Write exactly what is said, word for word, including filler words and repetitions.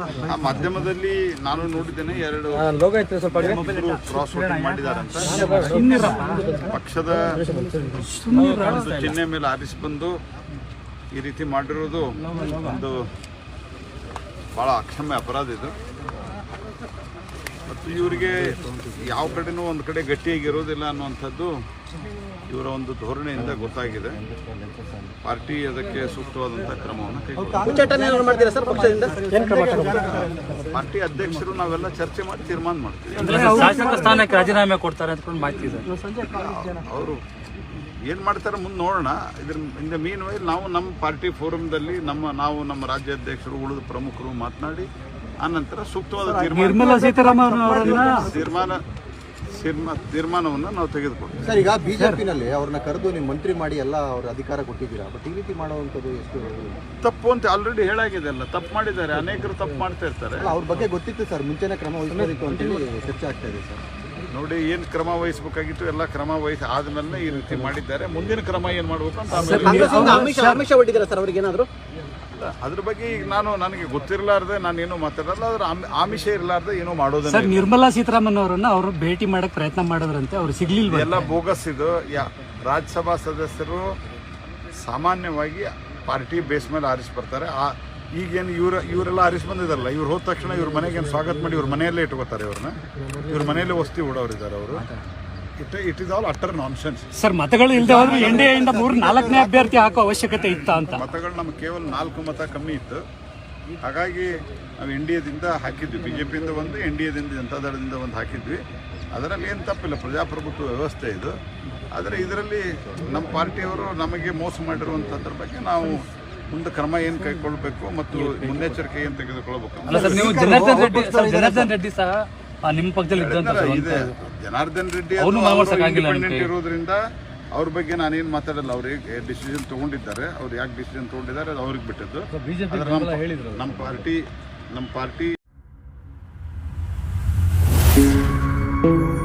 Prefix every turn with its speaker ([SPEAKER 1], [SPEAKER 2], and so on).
[SPEAKER 1] ಆ ಮಾಧ್ಯಮದಲ್ಲಿ ನಾನು ನೋಡಿದ್ದೇನೆ ಎರಡು ಕ್ರಾಸ್ ವೋಟಿಂಗ್ ಮಾಡಿದಾರಂತ ಪಕ್ಷದ ಚಿಹ್ನೆ ಮೇಲೆ ಆರಿಸಿ ಬಂದು ಈ ರೀತಿ ಮಾಡಿರೋದು ಒಂದು ಬಹಳ ಅಕ್ಷಮ್ಯ ಅಪರಾಧ ಇದು. ಮತ್ತು ಇವರಿಗೆ ಯಾವ ಕಡೆನೂ ಒಂದು ಕಡೆ ಗಟ್ಟಿಯಾಗಿರೋದಿಲ್ಲ ಅನ್ನುವಂಥದ್ದು ಇವರ ಒಂದು ಧೋರಣೆಯಿಂದ ಗೊತ್ತಾಗಿದೆ. ಪಾರ್ಟಿ ಅದಕ್ಕೆ ಸೂಕ್ತವಾದಂತಹ ಕ್ರಮವನ್ನು ಕೈಗೊಳ್ಳುತ್ತೆ. ಪಾರ್ಟಿ ಅಧ್ಯಕ್ಷರು ನಾವೆಲ್ಲ ಚರ್ಚೆ ಮಾಡಿ ತೀರ್ಮಾನ ಮಾಡ್ತೀವಿ.
[SPEAKER 2] ಸ್ಥಾನಕ್ಕೆ ರಾಜೀನಾಮೆ ಕೊಡ್ತಾರೆ ಅಂತ ಮಾಹಿತಿ ಇದೆ.
[SPEAKER 1] ಅವರು ಏನು ಮಾಡ್ತಾರೆ ಮುಂದೆ ನೋಡೋಣ. ಇದ್ರ ಇಂದ ಮೀನ್ ವೈಲ್ ನಾವು ನಮ್ಮ ಪಾರ್ಟಿ ಫೋರಮ್ದಲ್ಲಿ ನಮ್ಮ ನಾವು ನಮ್ಮ ರಾಜ್ಯಾಧ್ಯಕ್ಷರು ಉಳಿದ ಪ್ರಮುಖರು ಮಾತನಾಡಿ ಆ ನಂತರ ಸೂಕ್ತವಾದ ತೀರ್ಮಾನ ತೀರ್ಮಾನ ತೀರ್ಮಾನವನ್ನು ನಾವು ತೆಗೆದುಕೊಳ್ತೀವಿ.
[SPEAKER 3] ಸರ್, ಈಗ ಬಿಜೆಪಿನಲ್ಲಿ ಅವ್ರನ್ನ ಕರೆದು ನೀವು ಮಂತ್ರಿ ಮಾಡಿ ಎಲ್ಲ ಅವ್ರ ಅಧಿಕಾರ ಕೊಟ್ಟಿದ್ದೀರಾ, ಬಟ್ ಈ ರೀತಿ ಮಾಡುವಂಥದ್ದು ಎಷ್ಟು
[SPEAKER 1] ತಪ್ಪು ಅಂತ ಆಲ್ರೆಡಿ ಹೇಳಾಗಿದೆ. ಅಲ್ಲ, ತಪ್ಪು ಮಾಡಿದ್ದಾರೆ, ಅನೇಕರು ತಪ್ಪು ಮಾಡ್ತಾ ಇರ್ತಾರೆ.
[SPEAKER 3] ಅವ್ರ ಬಗ್ಗೆ ಗೊತ್ತಿತ್ತು ಸರ್, ಮುಂಚೆನೇ ಕ್ರಮ ವಹಿಸಬೇಕು ಅಂತೇಳಿ ಚರ್ಚೆ ಆಗ್ತಾ ಇದೆ ಸರ್.
[SPEAKER 1] ನೋಡಿ, ಏನು ಕ್ರಮ ವಹಿಸಬೇಕಾಗಿತ್ತು ಎಲ್ಲ ಕ್ರಮ ವಹಿಸಿ ಆದ್ಮೇಲೆ ಈ ರೀತಿ ಮಾಡಿದ್ದಾರೆ. ಮುಂದಿನ ಕ್ರಮ ಏನು ಮಾಡಬೇಕು ಅಂತ
[SPEAKER 3] ಆಮಿಷ ಒಡ್ಡಿದ್ದಾರೆ ಸರ್ ಅವ್ರಿಗೆ ಏನಾದರೂ?
[SPEAKER 1] ಅದ್ರ ಬಗ್ಗೆ ಈಗ ನಾನು ನನಗೆ ಗೊತ್ತಿರಲಾರ್ದೆ ನಾನೇನು ಮಾತಾಡಲ್ಲ. ಅದ್ರ ಆಮಿಷ ಇರಲಾರ್ದೆ ಏನೋ ಮಾಡೋದನ್ನ.
[SPEAKER 2] ಸರ್, ನಿರ್ಮಲಾ ಸೀತಾರಾಮನ್ ಅವರನ್ನ ಅವರು ಭೇಟಿ ಮಾಡಕ್ ಪ್ರಯತ್ನ ಮಾಡಿದ್ರಂತೆ, ಅವ್ರು ಸಿಗ್ಲಿಲ್ಲ.
[SPEAKER 1] ಎಲ್ಲ ಬೋಗಸ್ ಇದು. ಯಾ ರಾಜ್ಯಸಭಾ ಸದಸ್ಯರು ಸಾಮಾನ್ಯವಾಗಿ ಪಾರ್ಟಿ ಬೇಸ್ ಮೇಲೆ ಆರಿಸಿ ಬರ್ತಾರೆ. ಆ ಈಗೇನು ಇವ್ರ ಇವರೆಲ್ಲ ಆರಿಸಿ ಬಂದಿದಾರಲ್ಲ, ಇವ್ರು ಹೋದ ತಕ್ಷಣ ಇವ್ರ ಮನೆಗೆ ಸ್ವಾಗತ ಮಾಡಿ ಇವ್ರ ಮನೆಯಲ್ಲೇ ಇಟ್ಕೋತಾರೆ. ಇವ್ರನ್ನ ಇವ್ರ ಮನೆಯಲ್ಲೇ ವಸ್ತಿ ಓಡೋರಿದ್ದಾರೆ ಅವರು. It it is all utter nonsense.
[SPEAKER 2] Sir, ಮತಗಳು ಇಲ್ಲದೆ ಹೋದ್ರೆ ಎನ್ ಡಿ ಎ ಇಂದ ಮೂರು ನಾಲ್ಕನೇ ಅಭ್ಯರ್ಥಿ ಹಾಕೋ ಅವಶ್ಯಕತೆ ಇತ್ತ ಅಂತ.
[SPEAKER 1] ಮತಗಳು ನಮ್ಗೆ ಕೇವಲ ನಾಲ್ಕು ಮತ ಕಮ್ಮಿ ಇತ್ತು. ಹಾಗಾಗಿ ನಾವು ಎನ್ ಡಿ ಎದಿಂದ ಹಾಕಿದ್ವಿ. ಬಿ ಜೆ ಪಿಯಿಂದ ಒಂದು, ಎನ್ ಡಿ ಎದಿಂದ ಜನತಾದಳದಿಂದ ಒಂದು ಹಾಕಿದ್ವಿ. ಅದರಲ್ಲಿ ಏನು ತಪ್ಪಿಲ್ಲ, ಪ್ರಜಾಪ್ರಭುತ್ವ ವ್ಯವಸ್ಥೆ ಇದು. ಆದರೆ ಇದರಲ್ಲಿ ನಮ್ಮ ಪಾರ್ಟಿಯವರು ನಮಗೆ ಮೋಸ ಮಾಡಿರುವಂಥದ್ರ ಬಗ್ಗೆ ನಾವು ಮುಂದೆ ಕ್ರಮ ಏನು ಕೈಗೊಳ್ಳಬೇಕು ಮತ್ತು ಮುನ್ನೆಚ್ಚರಿಕೆ ಏನು ತೆಗೆದುಕೊಳ್ಬೇಕು.
[SPEAKER 2] ಜನಾರ್ದನ್ ರೆಡ್ಡಿ ಜನಾರ್ದನ್ ರೆಡ್ಡಿ ಸಹ ನಿಮ್ಮ ಪಕ್ಷದಲ್ಲಿ
[SPEAKER 1] ಇದೆ. ಜನಾರ್ದನ್ ರೆಡ್ಡಿ ಇಂಡಿಪೆಂಡೆಂಟ್ ಇರೋದ್ರಿಂದ ಅವ್ರ ಬಗ್ಗೆ ನಾನೇನು ಮಾತಾಡಲ್ಲ. ಅವ್ರಿಗೆ ಡಿಸಿಷನ್ ತಗೊಂಡಿದ್ದಾರೆ, ಅವ್ರು ಯಾಕೆ ಡಿಸಿಷನ್ ತಗೊಂಡಿದ್ದಾರೆ ಅದು ಅವ್ರಿಗೆ ಬಿಟ್ಟದ್ದು. ನಮ್ಮ ಪಾರ್ಟಿ ನಮ್ಮ ಪಾರ್ಟಿ